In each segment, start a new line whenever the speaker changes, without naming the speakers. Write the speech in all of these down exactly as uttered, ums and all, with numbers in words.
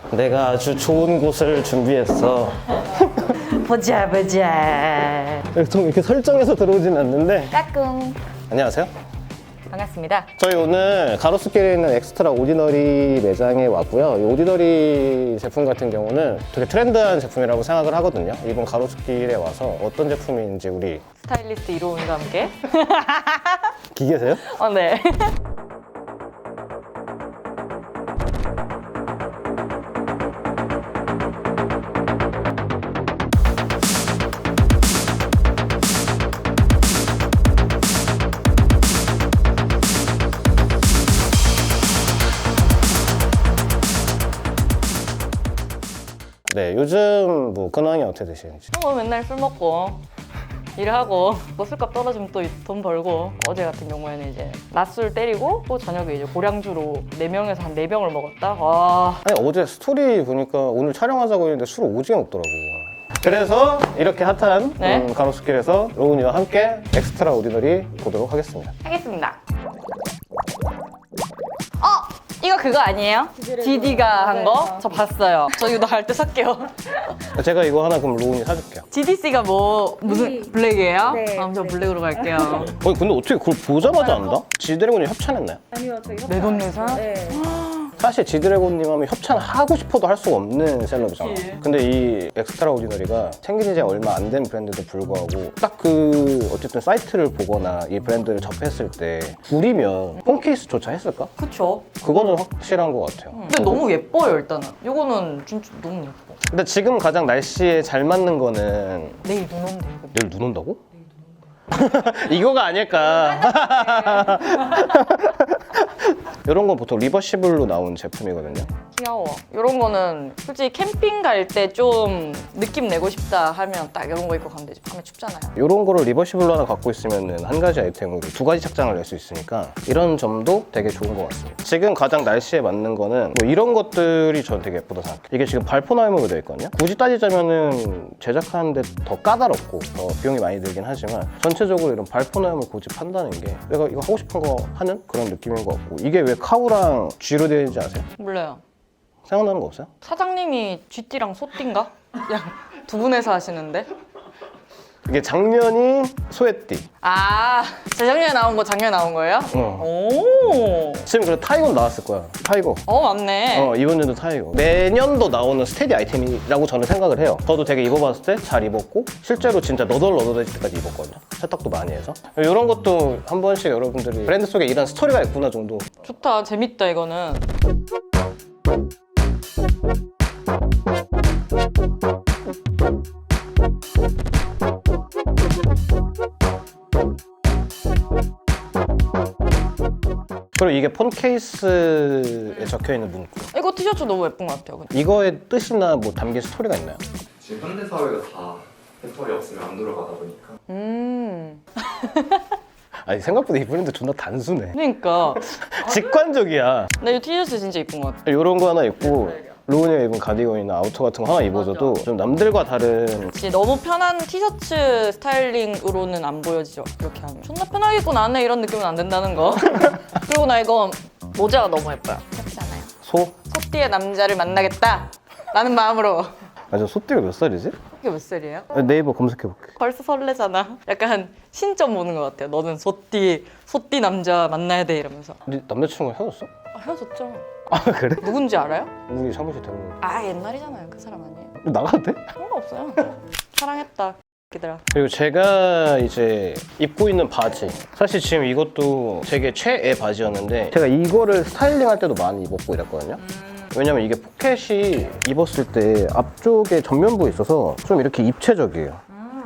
내가 아주 좋은 곳을 준비했어.
보자 보자.
좀 이렇게 설정해서 들어오진 않는데.
까꿍.
안녕하세요.
반갑습니다.
저희 오늘 가로수길에 있는 엑스트라 오디너리 매장에 왔고요. 이 오디너리 제품 같은 경우는 되게 트렌드한 제품이라고 생각을 하거든요. 이번 가로수길에 와서 어떤 제품인지 우리
스타일리스트 이로운과 함께.
기계세요?
어, 네.
네, 요즘 뭐 근황이 어떻게 되시는지.
뭐 맨날 술 먹고 일하고 뭐 술값 떨어지면 또 돈 벌고, 어제 같은 경우에는 이제 낮술 때리고 또 저녁에 이제 고량주로 네 명에서 한 네 병을 먹었다. 와.
아니 어제 스토리 보니까 오늘 촬영하자고 했는데 술을 오지게 먹더라고. 그래서 이렇게 핫한
네.
음, 가로수길에서 로운이와 함께 엑스트라 오디너리 보도록 하겠습니다.
하겠습니다. 어! 이거 그거 아니에요? 지디가 한 거? 저 봤어요. 저 이거 할 때 살게요.
제가 이거 하나 그럼 로운이 사줄게요.
지디씨가 뭐 무슨 블랙이에요?
네,
아, 저
블랙.
블랙으로 갈게요.
어 근데 어떻게 그걸 보자마자 안다? 지드래곤이 협찬했나요?
아니요, 저희 협찬.
내 돈 내산?
네.
사실 지드래곤님 하면 협찬하고 싶어도 할 수가 없는 셀럽이잖아.
그치.
근데 이 엑스트라 오디너리가 생긴 지 얼마 안 된 브랜드도 불구하고 딱 그 어쨌든 사이트를 보거나 이 브랜드를 접했을 때 구리면 폰케이스조차 했을까?
그쵸.
그거는 확실한 것 같아요.
근데 너무 예뻐요, 일단은. 이거는 진짜 너무 예뻐.
근데 지금 가장 날씨에 잘 맞는 거는
내일 눈 온대, 이거.
내일 눈 온다고? 이거가 아닐까. 이런 건 보통 리버시블로 나온 제품이거든요.
귀여워. 이런 거는 솔직히 캠핑 갈 때 좀 느낌 내고 싶다 하면 딱 이런 거 입고 가면 되지. 밤에 춥잖아요.
이런 거를 리버시블로 하나 갖고 있으면 한 가지 아이템으로 두 가지 착장을 낼 수 있으니까 이런 점도 되게 좋은 것 같습니다. 지금 가장 날씨에 맞는 거는 뭐 이런 것들이 전 되게 예쁘다 생각해요. 이게 지금 발포나임으로 되어 있거든요. 굳이 따지자면은 제작하는데 더 까다롭고 더 비용이 많이 들긴 하지만 전체적으로 이런 발포나임을 고집한다는 게 내가 이거 하고 싶은 거 하는 그런 느낌인 것 같고, 이게 왜 카우랑 G로 되어 있는지 아세요?
몰라요.
생각나는 거 없어요?
사장님이 쥐띠랑 소띠인가? 그냥 두 분에서 하시는데?
이게 작년이 소개띠.
아, 재작년에 나온 거 작년에 나온 거예요?
어.
오.
지금 그래 타이거 나왔을 거야. 타이거.
어, 맞네.
어, 이번 년도 타이거. 매년도 나오는 스테디 아이템이라고 저는 생각을 해요. 저도 되게 입어봤을 때 잘 입었고, 실제로 진짜 너덜너덜해질 때까지 입었거든요. 세탁도 많이 해서. 이런 것도 한 번씩 여러분들이 브랜드 속에 이런 스토리가 있구나 정도.
좋다, 재밌다, 이거는.
그리고 이게 폰 케이스에 적혀 있는 문구.
이거 티셔츠 너무 예쁜 것 같아요. 그냥.
이거의 뜻이나 뭐 담긴 스토리가 있나요?
지금 현대 사회가 다 펜털이 없으면 안 돌아가다 보니까
음.
아니 생각보다 이 브랜드 존나 단순해.
그러니까.
직관적이야.
나 이 티셔츠 진짜 예쁜 것 같아.
이런 거 하나 입고 로운이가 입은 가디건이나 아우터 같은 거 하나 입어줘도 좀 남들과 다른.
진짜 너무 편한 티셔츠 스타일링으로는 안 보여지죠, 이렇게 하면. 존나 편하게 입고 나네 이런 느낌은 안 든다는 거. 그리고 나 이거 모자가 너무 예뻐요. 예쁘지 않아요?
소?
소띠의 남자를 만나겠다 라는 마음으로.
아, 저 소띠가 몇 살이지?
이게 몇 살이에요?
네이버 검색해볼게.
벌써 설레잖아. 약간 신점 보는 것 같아요. 너는 소띠, 소띠 남자 만나야 돼 이러면서.
네 남자친구랑 헤어졌어?
아, 헤어졌죠.
아 그래?
누군지 알아요?
우리 사무실 데려오고
아, 옛날이잖아요. 그 사람 아니에요.
나가도 돼?
상관없어요. 사랑했다. 기들아.
그리고 제가 이제 입고 있는 바지, 사실 지금 이것도 되게 최애 바지였는데 제가 이거를 스타일링 할 때도 많이 입었고 이랬거든요. 왜냐면 이게 포켓이 입었을 때 앞쪽에 전면부에 있어서 좀 이렇게 입체적이에요.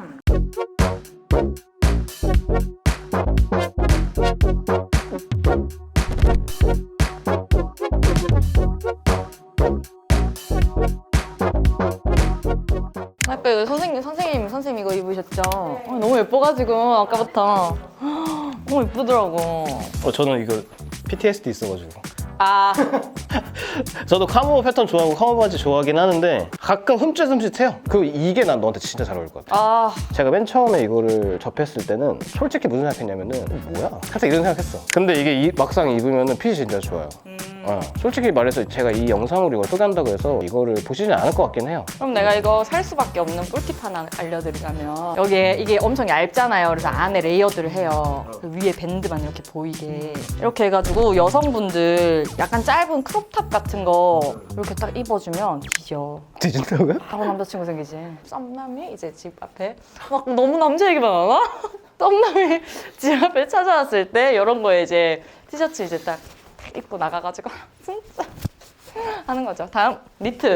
아까 이거 선생님, 선생님, 선생님 이거 입으셨죠? 어, 너무 예뻐가지고 아까부터 너무 예쁘더라고.
어, 저는 이거 피티에스디 있어가지고
아,
저도 카모 패턴 좋아하고 카모 바지 좋아하긴 하는데 가끔 흠칫흠칫해요. 그 이게 난 너한테 진짜 잘 어울릴 것 같아.
아,
제가 맨 처음에 이거를 접했을 때는 솔직히 무슨 생각했냐면은 어, 뭐야? 살짝 이런 생각했어. 근데 이게 이- 막상 입으면은 핏이 진짜 좋아요.
음.
어, 솔직히 말해서 제가 이 영상으로 이걸 소개한다고 해서 이거를 보시진 않을 것 같긴 해요.
그럼 내가 이거 살 수밖에 없는 꿀팁 하나 알려드리자면 여기에 이게 엄청 얇잖아요. 그래서 안에 레이어드를 해요. 그 위에 밴드만 이렇게 보이게 이렇게 해가지고 여성분들 약간 짧은 크롭탑 같은 거 이렇게 딱 입어주면 뒤져.
뒤진다고요?
하고 남자친구 생기지. 썸남이 이제 집 앞에 막 너무 남자 얘기만 하나? 썸남이 집 앞에 찾아왔을 때 이런 거에 이제 티셔츠 이제 딱 입고 나가가지고 진짜 하는 거죠. 다음 니트.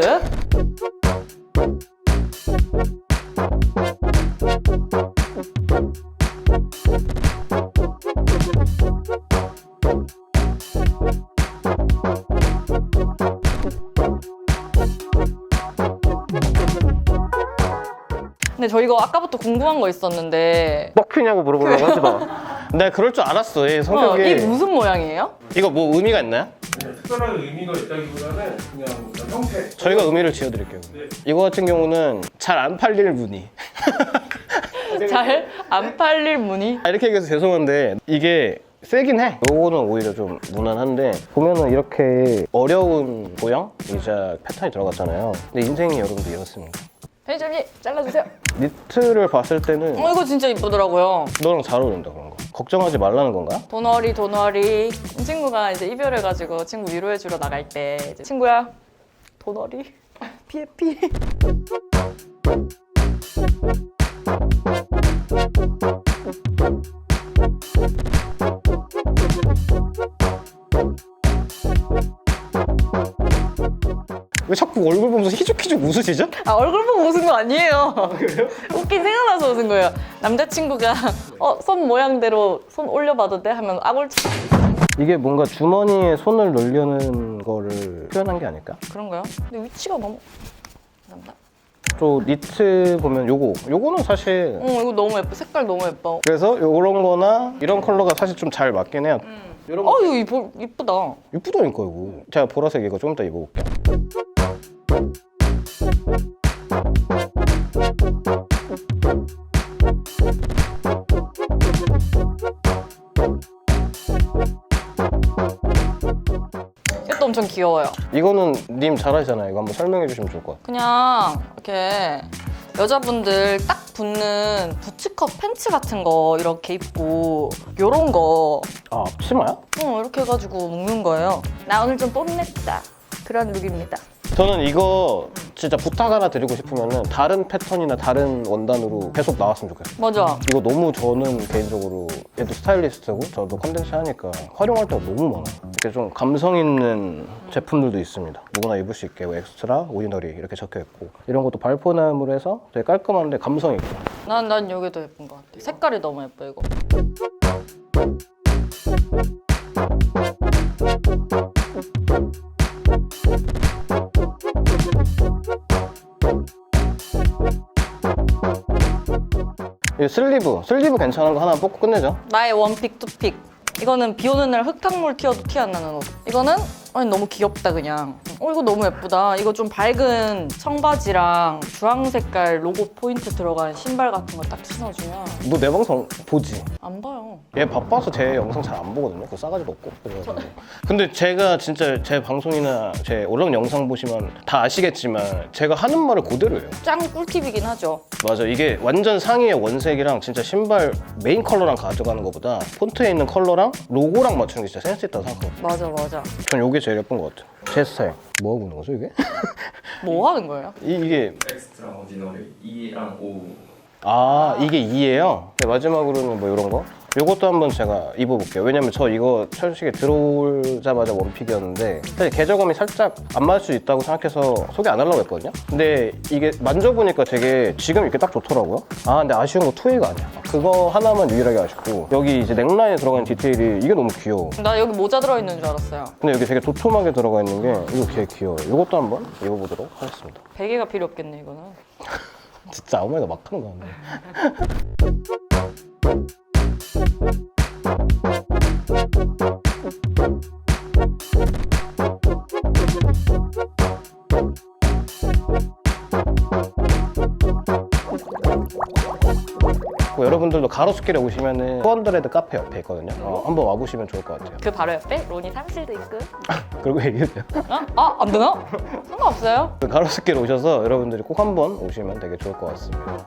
근데 저 이거 아까부터 궁금한 거 있었는데
뻑큐냐고 물어보려고 하지 마. 내가 그럴 줄 알았어. 얘
어,
성격이.
이게 무슨 모양이에요?
이거 뭐 의미가 있나요?
네, 특별한 의미가 있다기보다는 그냥 어떤 형태.
저희가 의미를 지어드릴게요.
네.
이거 같은 경우는 잘 안 팔릴 무늬.
잘 안 팔릴 무늬?
아, 이렇게 얘기해서 죄송한데 이게 세긴 해. 요거는 오히려 좀 무난한데 보면은 이렇게 어려운 모양이자 패턴이 들어갔잖아요. 근데 인생이 여러분들 이렇습니다.
편의점님 잘라주세요.
니트를 봤을 때는
어 이거 진짜 이쁘더라고요.
너랑 잘 어울린다 그런 거. 걱정하지 말라는 건가?
도너리 도너리. 이 친구가 이제 이별해가지고 친구 위로해주러 나갈 때 이제 친구야 도너리 피해 피해.
왜 자꾸 얼굴 보면서 희죽희죽 웃으시죠?
아 얼굴 보고 웃은 거 아니에요. 웃긴 생각나서 웃은 거예요. 남자친구가 어 손 모양대로 손 올려봐도 돼? 하면 아골치
이게 뭔가 주머니에 손을 넣으려는 거를 표현한 게 아닐까?
그런가요? 근데 위치가 너무 감사합니다.
또 니트 보면 요거 요거는 사실
어 이거 너무 예뻐. 색깔 너무 예뻐.
그래서 요런 거나 이런 컬러가 사실 좀 잘 맞긴 해요. 요런 거
어 이거 이뻐, 이쁘다.
이쁘다니까 이거. 제가 보라색 이거 좀 이따 입어볼게요.
이것도 엄청 귀여워요.
이거는 님 잘하시잖아요. 이거 한번 설명해 주시면 좋을 것 같아요.
그냥 이렇게 여자분들 딱 붙는 부츠컷 팬츠 같은 거 이렇게 입고 요런 거
아, 치마야?
어, 이렇게 해가지고 묶는 거예요. 나 오늘 좀 뽐냈다. 그런 룩입니다.
저는 이거 진짜 부탁 하나 드리고 싶으면은 다른 패턴이나 다른 원단으로 계속 나왔으면 좋겠어요.
맞아.
이거 너무 저는 개인적으로 얘도 스타일리스트고 저도 컨텐츠 하니까 활용할 때가 너무 많아요. 이렇게 좀 감성 있는 제품들도 있습니다. 누구나 입을 수 있게 뭐 엑스트라, 오디너리 이렇게 적혀 있고 이런 것도 발포나무로 해서 되게 깔끔한데 감성 있고.
난, 난 이게 더 예쁜 것 같아. 색깔이 너무 예뻐, 이거.
이 슬리브, 슬리브 괜찮은 거 하나 뽑고 끝내죠.
나의 원픽, 투픽. 이거는 비 오는 날 흙탕물 튀어도 티 안 나는 옷. 이거는 아니, 너무 귀엽다, 그냥. 어, 이거 너무 예쁘다. 이거 좀 밝은 청바지랑 주황 색깔 로고 포인트 들어간 신발 같은 거 딱 신어주면
너 내 방송 보지?
안 봐요.
얘 바빠서 제 영상 잘 안 보거든요. 그 싸가지도 없고. 그래가지고. 근데 제가 진짜 제 방송이나 제 올라온 영상 보시면 다 아시겠지만 제가 하는 말을 그대로 해요.
짱 꿀팁이긴 하죠.
맞아. 이게 완전 상의의 원색이랑 진짜 신발 메인 컬러랑 가져가는 것보다 폰트에 있는 컬러랑 로고랑 맞추는 게 진짜 센스 있다고 생각하거든요.
맞아, 맞아.
전 이게 제일 예쁜 것 같아요. 제 스타일. 뭐 하고 있는 거죠, 이게?
뭐 하는 거예요?
이, 이게
엑스트라 오디너리 이랑 오.
아, 이게 이예요? 네, 마지막으로는 뭐 이런 거? 이것도 한번 제가 입어볼게요. 왜냐면 저 이거 철식에 들어오자마자 원픽이었는데 사실 개저감이 살짝 안 맞을 수 있다고 생각해서 소개 안 하려고 했거든요. 근데 이게 만져보니까 되게 지금 이렇게 딱 좋더라고요. 아, 근데 아쉬운 거 투웨이가 아니야. 그거 하나만 유일하게 아쉽고 여기 이제 넥라인에 들어가는 디테일이 이게 너무 귀여워.
나 여기 모자 들어있는 줄 알았어요.
근데 여기 되게 도톰하게 들어가 있는 게 이거 되게 귀여워요. 이것도 한번 입어보도록 하겠습니다.
베개가 필요 없겠네, 이거는.
진짜 아무 말이나 막 하는 거 같네. 뭐 여러분들도 가로수길에 오시면은 투언드레드 카페 옆에 있거든요. 어, 한번 와보시면 좋을 것 같아요.
그 바로 옆에 로니 사무실도 있고.
그리고 얘기해줘요.
어? 아, 안 되나? 상관없어요.
그 가로수길 오셔서 여러분들이 꼭 한번 오시면 되게 좋을 것 같습니다.